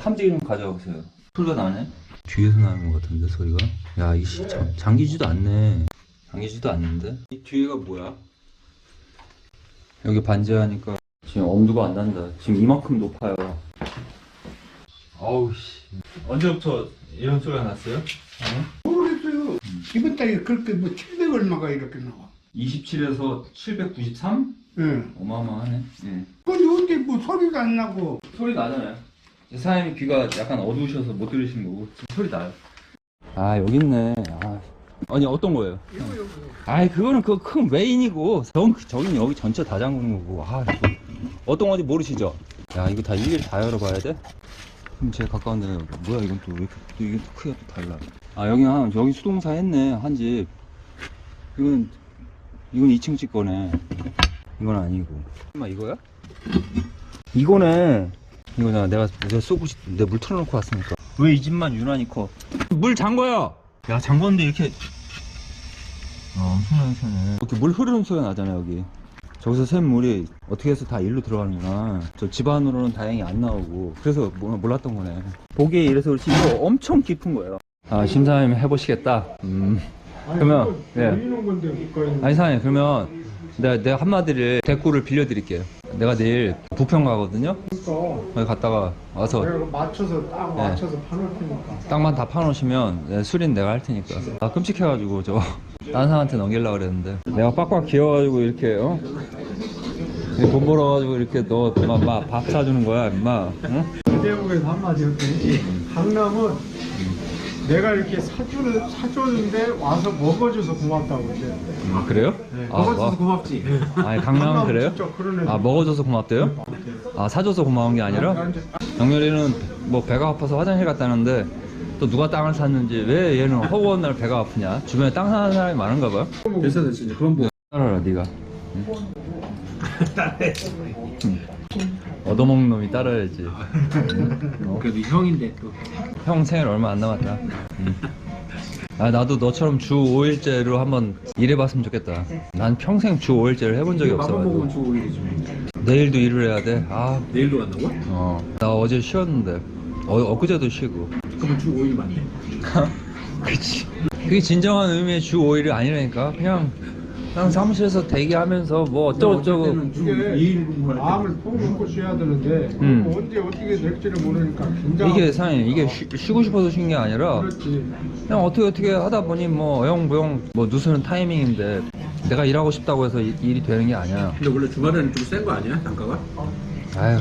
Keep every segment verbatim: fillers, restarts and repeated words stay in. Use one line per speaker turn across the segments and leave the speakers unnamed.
탐지기 좀 가져오세요. 소리가 나네? 뒤에서 나는 것 같은데 소리가? 야 이 씨 참 잠기지도 않네. 잠기지도 않는데? 이 뒤에가 뭐야? 여기 반지하니까 지금 엄두가 안 난다. 지금 이만큼 높아요. 아우 씨. 언제부터 이런 소리가 났어요? 어?
모르겠어요. 음. 이번 달에 그렇게 뭐 칠백 얼마가 이렇게 나와.
이십칠에서 칠백구십삼?
예.
어마어마하네. 예.
근데 어떻게 뭐 소리가 안 나고.
소리 나잖아요. 사장님 귀가 약간 어두우셔서 못 들으신 거고 지금 소리 나요. 아 여기 있네. 아. 아니 어떤 거예요?
이거 이거.
아이 그거는 그 큰 메인이고 전 저긴 여기 전체 다 잠그는 거고. 아 이거 어떤 건지 모르시죠? 야 이거 다 일일이 다 열어봐야 돼? 그럼 제일 가까운 데 뭐야 이건 또 왜 이렇게 또 이게 또 크기가 또 달라. 아 여기 한 여기 수동사 했네 한 집. 이건 이건 이 층 집 거네. 이건 아니고. 엄마 이거야? 이거네. 이거잖아. 내가 내가 쏘고 싶 내가 물 틀어놓고 왔으니까. 왜 이 집만 유난히 커? 물 잠궈요. 야 잠궜는데 이렇게. 아 엄청나게 새네. 이렇게 물 흐르는 소리가 나잖아 여기. 저기서 샘 물이 어떻게 해서 다 일로 들어가는구나. 저 집 안으로는 다행히 안 나오고. 그래서 몰랐던 거네. 보기에 이래서 그렇지 이거 엄청 깊은 거예요. 아 심사님 해보시겠다. 음.
아니,
그러면 예.
보이는 건데 못
아니 사장님 그러면 내가, 내가 한마디를 대꾸를 빌려드릴게요. 내가 내일 부평 가거든요.
그러니까
거기 갔다가 와서
내가 맞춰서 딱
네.
맞춰서 파놓을 테니까.
땅만 다 파놓으시면 네, 수리는 내가 할 테니까. 나 끔찍해가지고 저 다른 사람한테 넘기려고 그랬는데 내가 빡빡 기어가지고 이렇게 어? 이렇게 돈 벌어가지고 이렇게 너 밥 사주는 거야 임마. 응?
대국에서 한마디 했더니 강남은 내가 이렇게 사주는, 사줬는데 와서 먹어줘서 고맙다고 그래.
음, 그래요?
네.
아,
먹어줘서
뭐,
고맙지.
아니 강남은 그래요?
진짜 그런 애들.
아 먹어줘서 고맙대요? 아 사줘서 고마운 게 아니라? 영렬이는 뭐 배가 아파서 화장실 갔다는데 또 누가 땅을 샀는지 왜 얘는 허구한 날 배가 아프냐? 주변에 땅 사는 사람이 많은가 봐요?
됐어 됐어 이제 그건 뭐.
따라라 네가. 응? 응. 얻어먹는 놈이 따라야지. 어?
그래도 형인데 또.
형 생일 얼마 안 남았다. 응. 아 나도 너처럼 주 오 일째로 한번 일해봤으면 좋겠다. 난 평생 주 오 일째를 해본 적이 없어가지고.
주 오 일이지.
내일도 일을 해야 돼. 아,
내일도 간다고?
어. 나 어제 쉬었는데. 어, 엊그제도 쉬고.
그러면 주 오 일 맞네.
그치. 그게 진정한 의미의 주 오 일이 아니라니까. 그냥, 그냥 사무실에서 대기하면서 뭐 어쩌고저쩌고.
이게 마음을 푹 먹고 쉬어야 되는데
음.
언제 어떻게 될지를 모르니까 긴장.
이게 사장님, 이게 쉬, 쉬고 싶어서 쉰 게 아니라
그렇지.
그냥 어떻게 어떻게 하다 보니 뭐 어영부영 뭐 누수는 타이밍인데 내가 일하고 싶다고 해서 이- 일이 되는 게 아니야.
근데 원래 주말에는 좀 센 거 아니야? 단가가?
아휴,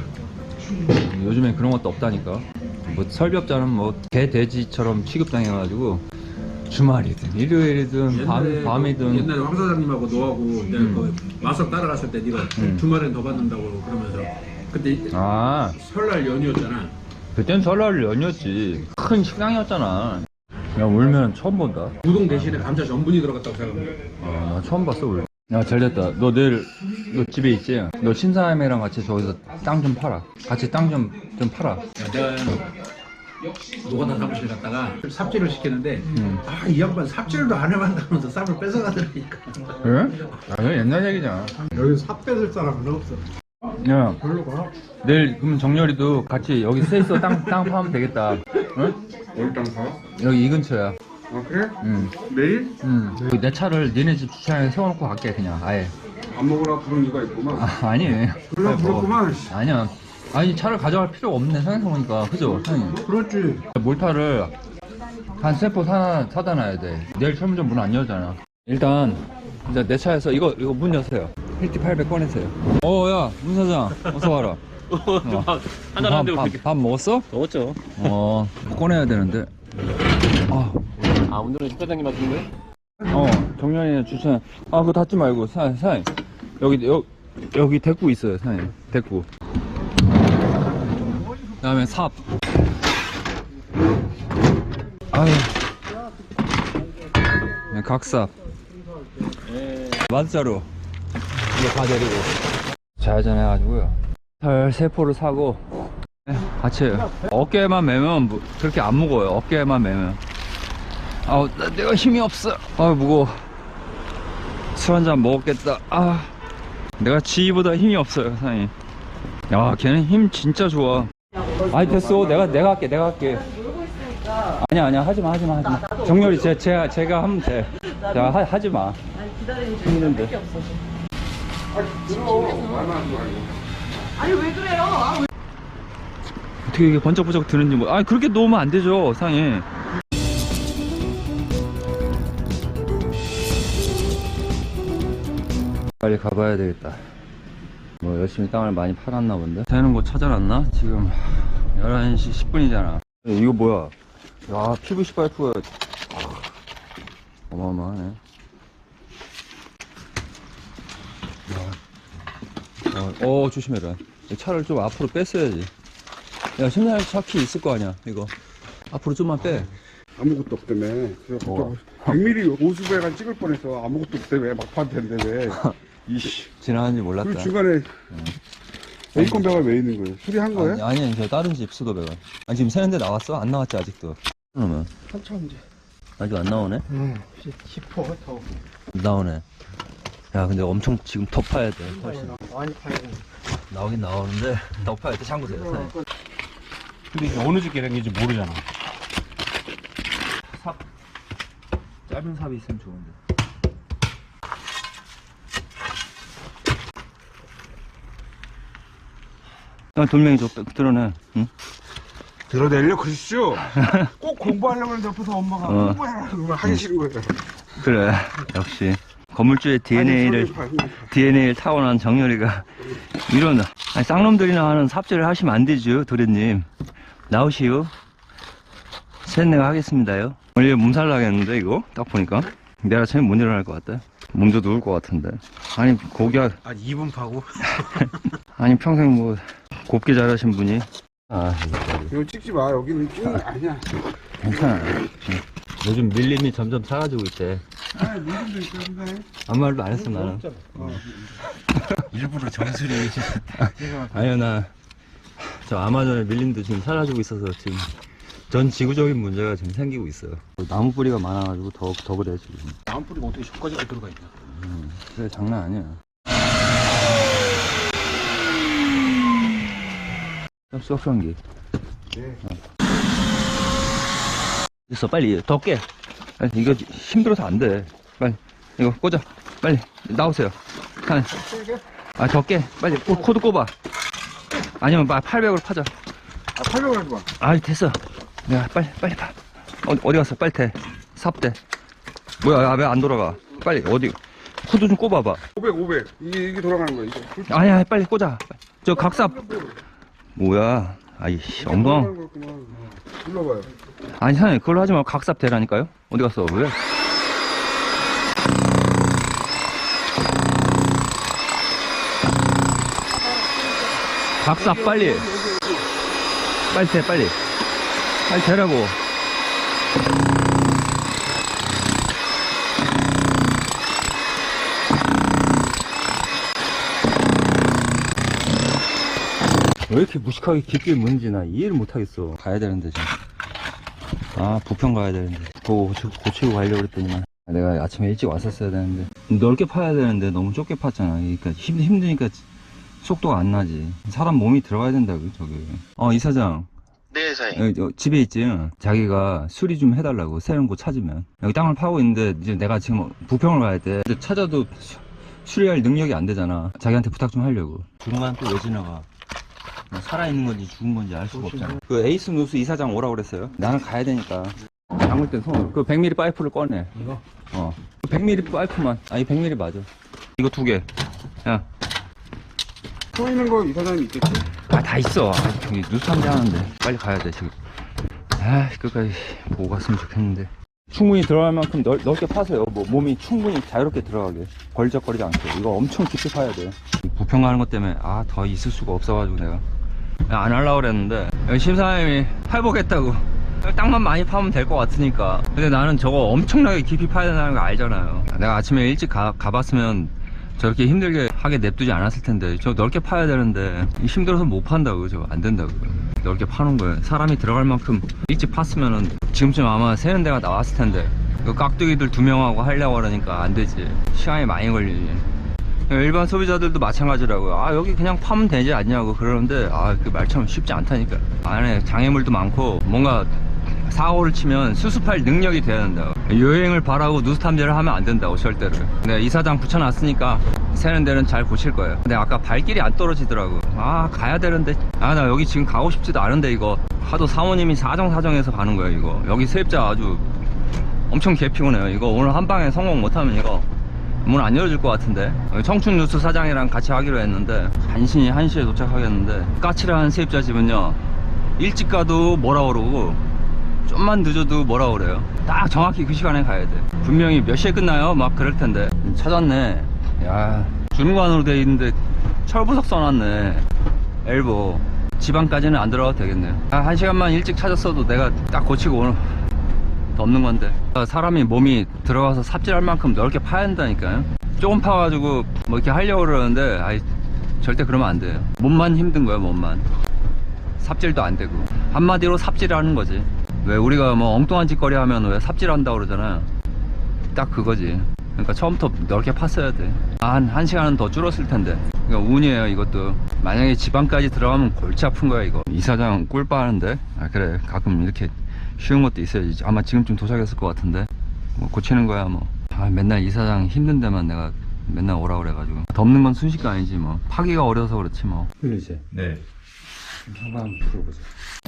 요즘엔 그런 것도 없다니까. 뭐 설비업자는 뭐 개 돼지처럼 취급당해가지고 주말이든 일요일이든 밤, 밤이든.
옛날에 황 사장님하고 너하고 내가
음.
그 마석 따라갔을 때 네가
음.
주말엔 더 받는다고 그러면서 그때
아,
설날 연휴였잖아.
그땐 설날 연휴였지. 큰 식당이었잖아. 야, 울면 처음 본다.
우동 대신에 감자 전분이 들어갔다고 생각해.
아, 나 처음 봤어, 울. 야, 잘 됐다. 너 내일, 너 집에 있지? 너 신사임이랑 같이 저기서 땅 좀 팔아. 같이 땅 좀, 좀 팔아.
야, 내가 노가다 사무실 갔다가 삽질을 시키는데
음.
아 이 양반 삽질도 안 해봤다면서 쌈을 뺏어가더라니까.
그래? 아, 그건 옛날 얘기잖아.
여기 삽 뺏을 사람은 없어.
야,
별로 가.
내일, 그럼 정렬이도 같이 여기 셋이서 땅, 땅 파면 되겠다. 응?
어디 땅 사?
여기 이 근처야.
아 그래?
응.
내일?
응. 여기 내 차를 니네 집 주차장에 세워놓고 갈게, 그냥, 아예.
안 먹으라 부른 이가 있구만.
아, 아니.
그래
아이, 뭐.
그렇구만.
아니야. 아니, 차를 가져갈 필요가 없네, 생각해보니까. 그죠? 사장님?
그렇지.
몰타를 한 세 포 사, 사다 놔야 돼. 내일 철문점 문 안 열잖아. 일단, 이제 내 차에서 이거, 이거 문 여세요. 힐티 팔백 꺼내세요. 어, 야, 문 사장. 어서 와라. 어.
한잔 하는데
밥,
어떻게?
밥, 밥 먹었어?
먹었죠.
어, 꺼내야 되는데. 아,
아 오늘은 집사장님 하시는 거예요?
어, 정연이는 주차. 아, 그거 닫지 말고, 사, 사장님. 여기, 여, 여기 대구 있어요, 사장님. 대구. 그 다음에 삽. 아유. 네, 각삽. 만자루. 이거 다 내리고. 좌회전해가지고요. 털 세 포를 사고. 네, 같이 해요. 어깨만 매면 무, 그렇게 안 무거워요. 어깨만 매면. 아우, 나, 내가 힘이 없어. 아, 무거워. 술 한잔 먹었겠다. 아, 내가 지희보다 힘이 없어요, 사장님. 야, 걔는 힘 진짜 좋아. 아니 됐어. 내가 내가 할게. 내가 할게. 아니야 아니야 하지 마 하지 마 하지 마. 정렬이 제 제가 제가 하면 돼. 자 하, 하지 마.
아니 기다리는
힘든데.
게 없어서.
들어.
아니 왜 그래요? 아, 왜...
어떻게 이게 번쩍번쩍 드는지 뭐. 아니 그렇게 놓으면 안 되죠 상에. 빨리 가봐야 되겠다. 뭐 열심히 땅을 많이 팔았나 본데. 되는 곳 찾아놨나? 지금 열한 시 십 분이잖아 이거 뭐야? 야 피브이씨 파이프가 어마어마하네. 야. 어, 어 조심해라. 차를 좀 앞으로 뺐어야지. 야 심장 차키 있을 거 아니야 이거. 앞으로 좀만 빼.
아무것도 없다며. 그래서
어.
백 밀리미터 오수배관 찍을 뻔해서 아무것도 없다며. 막판 텐데 왜. 이씨.
지나간지 몰랐다.
그리고 중간에 에이콘 배가 왜 있는 거예요? 수리한 거예요?
아니, 아니 저 다른 집 수도배관. 아니 지금 새는데 나왔어? 안 나왔지 아직도. 그러면
한참 이제.
아직 안 나오네?
응. 싶어 더.
안 나오네. 야 근데 엄청 지금 더 파야 돼 훨씬.
많이 파야 돼.
나오긴 나오는데 더 파야 돼. 참고세요.
근데 이게 어느 집게 생긴지 모르잖아.
삽 짧은 삽이 있으면 좋은데. 야 돌멩이 좀 드러내. 응?
들어내려 그러시죠? 꼭 공부하려고 하는데 옆에서 엄마가
어.
공부해라 그러면 하기 싫은 거예요.
그래 역시 건물주의 디엔에이를
아니, 소리 봐.
디엔에이를 타고난 정렬이가 이런 아니, 쌍놈들이나 하는 삽질을 하시면 안 되죠 도련님. 나오시오. 셋 내가 하겠습니다요. 원래 몸살 나겠는데 이거 딱 보니까 내일 아침에 못 일어날 것 같다. 몸도 누울 것 같은데. 아니 고기가
아 이 분 파고?
아니 평생 뭐 곱게 자라신 분이. 아 이거
이거 찍지 마. 여기는 찍는 거 아니야.
괜찮아. 요즘 밀림이 점점 사라지고 있대.
아, 무슨도 있던데.
아무 말도 안 했어 나는.
일부러 정수리
아니요 나 저 아마존의 밀림도 지금 사라지고 있어서 지금 전 지구적인 문제가 지금 생기고 있어요. 나무 뿌리가 많아가지고 더, 더 그래 지금.
나무뿌리가 어떻게 저까지 들어가 있냐.
음, 그래 장난 아니야. 수확성기.
네.
됐어 빨리 더 깨. 아니, 이거 힘들어서 안 돼. 빨리 이거 꽂아. 빨리 나오세요. 아 더 깨. 빨리 코, 코드 꼽아. 아니면 팔백으로 파자.
아, 팔려고 하지 마.
아 됐어. 내가 빨리 빨리 파. 어, 어디 갔어? 빨리 대. 삽대. 뭐야 왜 안 돌아가? 빨리 어디 코드 좀 꼽아봐.
오백, 오백. 이게, 이게 돌아가는 거야, 이게.
아니야 빨리 꽂아. 저 각삽. 뭐야? 아이씨 엉덩.
돌아가는 거였구만. 불러봐요.
아니 사장님 그걸로 하지 말고 각삽 대라니까요. 어디 갔어? 왜? 각삽 빨리. 빨리 대 빨리. 빨리 대라고. 왜 이렇게 무식하게 깊게 무는지 나 이해를 못하겠어. 가야 되는데 지금. 아 부평 가야 되는데 그거 고치, 고치고 가려고 그랬더니만 내가 아침에 일찍 왔었어야 되는데 넓게 파야 되는데 너무 좁게 팠잖아. 그러니까 힘, 힘드니까 속도가 안 나지. 사람 몸이 들어가야 된다고 저기. 어 이사장.
네, 사장님.
여기 저 집에 있지. 자기가 수리 좀 해달라고 새로운 곳 찾으면. 여기 땅을 파고 있는데 이제 내가 지금 부평을 가야 돼. 근데 찾아도 수, 수리할 능력이 안 되잖아. 자기한테 부탁 좀 하려고. 중간 또 왜 지나가? 살아있는 건지 죽은 건지 알 수가 없잖아. 그 에이스 누스 이사장 오라고 그랬어요. 나는 가야 되니까. 잠글 땐 손. 그 백 밀리미터 파이프를 꺼내.
이거?
어. 그 백 밀리미터 파이프만. 아니 백 밀리미터 맞아. 이거 두 개. 야.
서 있는 거 이사장님 있겠지?
아, 다 있어. 아, 저기 누수함대 하는데. 빨리 가야 돼, 지금. 아, 끝까지 보고 갔으면 좋겠는데. 충분히 들어갈 만큼 넓, 넓게 파세요. 뭐, 몸이 충분히 자유롭게 들어가게. 걸적거리지 않게. 이거 엄청 깊이 파야 돼. 부평 가는 것 때문에, 아, 더 있을 수가 없어가지고 내가. 안 하려고 그랬는데. 여기 심사님이 팔보겠다고. 땅만 많이 파면 될 것 같으니까. 근데 나는 저거 엄청나게 깊이 파야 된다는 거 알잖아요. 내가 아침에 일찍 가, 가봤으면 저렇게 힘들게 하게 냅두지 않았을 텐데. 저 넓게 파야 되는데 힘들어서 못 판다고. 저거 안 된다고. 넓게 파는 거예요. 사람이 들어갈 만큼 일찍 팠으면은 지금쯤 아마 새는 데가 나왔을 텐데. 그 깍두기들 두 명하고 하려고 그러니까 안 되지. 시간이 많이 걸리지. 일반 소비자들도 마찬가지라고요. 아 여기 그냥 파면 되지 않냐고 그러는데 아 그 말처럼 쉽지 않다니까. 안에 장애물도 많고 뭔가 사고를 치면 수습할 능력이 돼야 된다고. 여행을 바라고 누수 탐지를 하면 안 된다고 절대로. 내가 이사장 붙여놨으니까 새는 데는 잘 고칠 거예요. 근데 아까 발길이 안 떨어지더라고. 아 가야 되는데 아 나 여기 지금 가고 싶지도 않은데 이거 하도 사모님이 사정사정해서 가는 거예요. 이거 여기 세입자 아주 엄청 개피곤해요. 이거 오늘 한 방에 성공 못하면 이거 문 안 열어줄 것 같은데. 청춘 뉴스 사장이랑 같이 하기로 했는데 간신히 한 시에 도착하겠는데 까칠한 세입자 집은요 일찍 가도 뭐라 그러고 좀만 늦어도 뭐라 그래요. 딱 정확히 그 시간에 가야 돼. 분명히 몇 시에 끝나요? 막 그럴 텐데. 찾았네. 야 주무관으로 돼 있는데 철부석 써놨네. 엘보 지방까지는 안 들어가도 되겠네요. 아, 한 시간만 일찍 찾았어도 내가 딱 고치고 오늘 덮는 건데. 사람이 몸이 들어가서 삽질할 만큼 넓게 파야 한다니까요. 조금 파가지고 뭐 이렇게 하려고 그러는데 아이 절대 그러면 안 돼요. 몸만 힘든 거야. 몸만 삽질도 안 되고. 한마디로 삽질하는 거지. 왜 우리가 뭐 엉뚱한 짓거리 하면 왜 삽질한다고 그러잖아. 딱 그거지. 그러니까 처음부터 넓게 팠어야 돼. 한, 한 시간은 더 줄었을 텐데. 그러니까 운이에요 이것도. 만약에 지방까지 들어가면 골치 아픈 거야 이거. 이사장 꿀 빠는데. 아 그래 가끔 이렇게 쉬운 것도 있어야지. 아마 지금쯤 도착했을 것 같은데 뭐 고치는 거야 뭐. 아 맨날 이사장 힘든 데만 내가 맨날 오라 그래가지고. 덮는 건 순식가 아니지 뭐. 파기가 어려서 그렇지 뭐.
그러지.
네. 한번 풀어보자.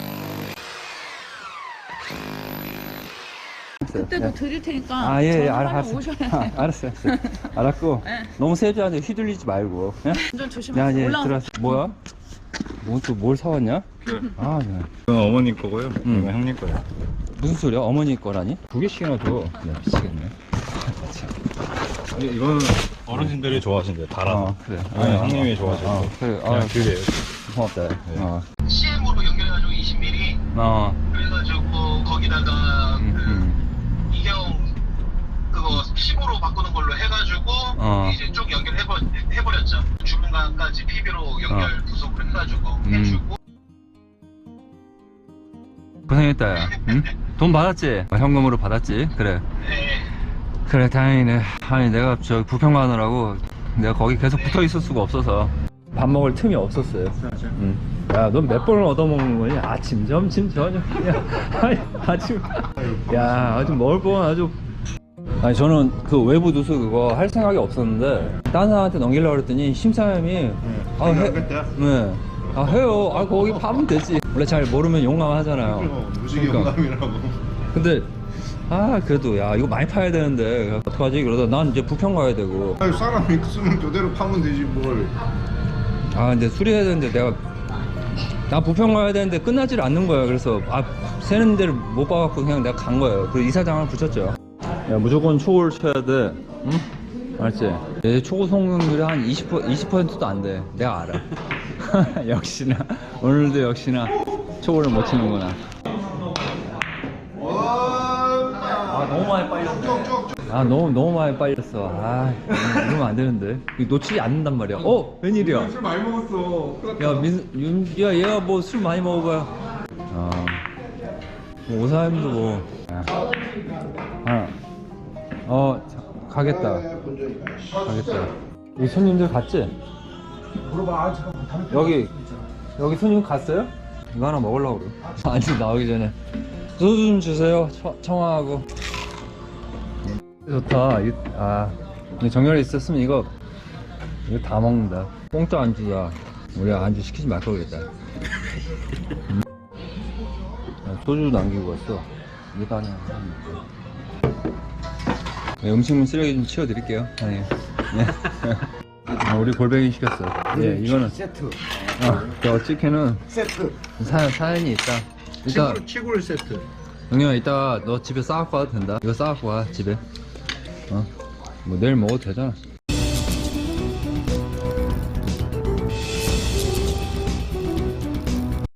그때도 드릴 테니까
아, 예, 예,
전화하면
알았어.
오셔야 돼요.
아, 알았어, 알았어. 알았고.
네.
너무 세주한테 휘둘리지 말고. 예?
운전
야,
조심하세요.
이제
올라가서
들어왔어. 뭐야? 뭐 또 뭘 사왔냐? 아, 네.
이건 어머니 거고요.
음.
이건 형님 거예요.
무슨 소리야? 어머니 거라니? 두 개씩이나 줘. 네, 미치겠네.
이- 이거는 어르신들이 좋아하신대요. 달아서.
어, 그래.
이거는
아,
형님이
아,
좋아하시고.
아, 그래. 아,
그냥 그게
고맙다. 어.
씨엠으로 연결해가지고 이십 밀리미터
어.
그래가지고 거기다가
음,
그
음.
이경 그거 십으로 바꾸는 걸로 해가지고
어.
이제 쭉 연결해버 해버렸죠. 주문관까지 피비로 연결 구속을 해가지고
음.
해주고.
고생했다, 야. 응? 돈 받았지? 어, 현금으로 받았지? 그래.
네.
그래, 다행이네. 아니, 내가 저 부평 가느라고 내가 거기 계속 붙어 있을 수가 없어서 밥 먹을 틈이 없었어요. 응. 야, 넌 몇 번을 얻어먹는 거니? 아침, 점심, 저녁. 야, 아니, 아침. 야, 아주 먹을 뻔 아주. 아니, 저는 그 외부 누수 그거 할 생각이 없었는데, 딴 사람한테 넘기려고 그랬더니, 심사위원이, 아, 해. 네. 아, 해요. 아, 거기 파면 되지. 원래 잘 모르면 용감하잖아요.
무식이
그러니까.
영감이라고.
근데, 아, 그래도, 야, 이거 많이 파야 되는데, 어떡하지? 그러다 난 이제 부평 가야 되고.
아니, 사람이 쓰면 그대로 파면 되지 뭘.
아 근데 수리해야 되는데 내가 나 부평 가야 되는데 끝나질 않는 거야. 그래서 아 새는 데를 못 봐갖고 그냥 내가 간 거예요. 그리고 이사장을 붙였죠. 야 무조건 초고를 쳐야 돼. 응? 알지? 내 초고 성공률이 한 이십 퍼센트, 이십 퍼센트도 안 돼. 내가 알아. 역시나 오늘도 역시나 초고를 못 치는구나. 아 너무 많이 빨렸네. 아 너무 너무 많이 빨렸어. 아 이러면 안 되는데. 이거 놓치지 않는단 말이야. 어 웬일이야?
술 많이 먹었어.
야 민, 윤, 야 얘가 뭐 술 많이 먹어봐야. 아, 뭐 오사임도 뭐. 야. 아, 어 자, 가겠다. 가겠다. 여기 손님들 갔지?
물어봐. 잠깐만. 담배
여기 여기 손님 갔어요? 이거 하나 먹으려고 그래. 아니 나오기 전에 소주 좀 주세요. 처, 청아하고. 좋다. 이, 아 정렬이 있었으면 이거 이거 다 먹는다. 공짜 안주야. 우리 안주 시키지 말 거겠다. 음. 야, 소주 남기고 왔어. 이거 다 그냥 네, 음식물 쓰레기 좀 치워드릴게요. 아니. 네. 아, 우리 골뱅이 시켰어. 예, 이거는
세트.
어, 저 치킨은
세트.
사, 사연이 있다. 이따
치골, 치골 세트.
영영아 이따 너 집에 싸갖고 와도 된다. 이거 싸갖고 와 집에. 어? 뭐 내일 먹어도 되잖아.